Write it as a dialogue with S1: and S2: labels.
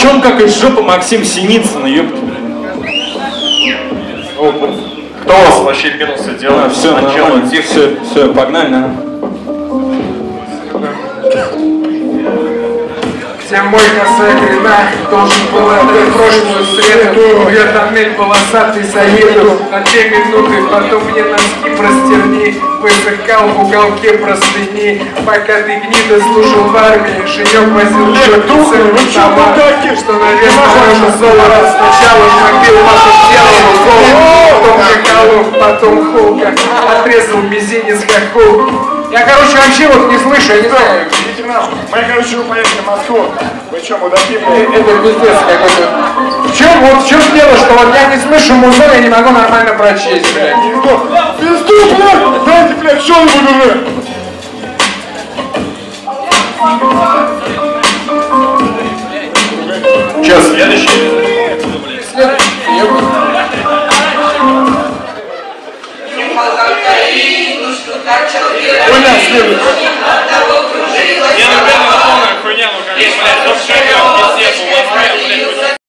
S1: Чё он как из жопы Максим Синицын, ёпта, блядь.
S2: Кто у вас вообще минусы делает?
S1: Все, нормально, все, погнали, да?
S3: Где мой косая грина должен был отдать прошлую среду. Я тоннель полосатый заеду на 2 минуты, потом мне носки простерни. Высыхал в уголке простыни, пока ты гнида служил в армии. Женек возил черный товар, что навес можно золото. Сначала мобил, потом делал укол, потом Жигалов, потом Холка. Отрезал мизинец как Холк. Я, короче, вообще вот не слышу, я не знаю.
S4: Идите нахуй. Мы, короче, вы поедете в Москву. Вы что, мудаки, блядь?
S3: Это пиздец какой-то. В чем дело, что вот я не слышу музон, я не могу нормально прочесть, блядь.
S4: Пизду, блядь! Дайте, блядь, что-нибудь уже!
S2: Сейчас, следующий.
S3: Оля, следующий.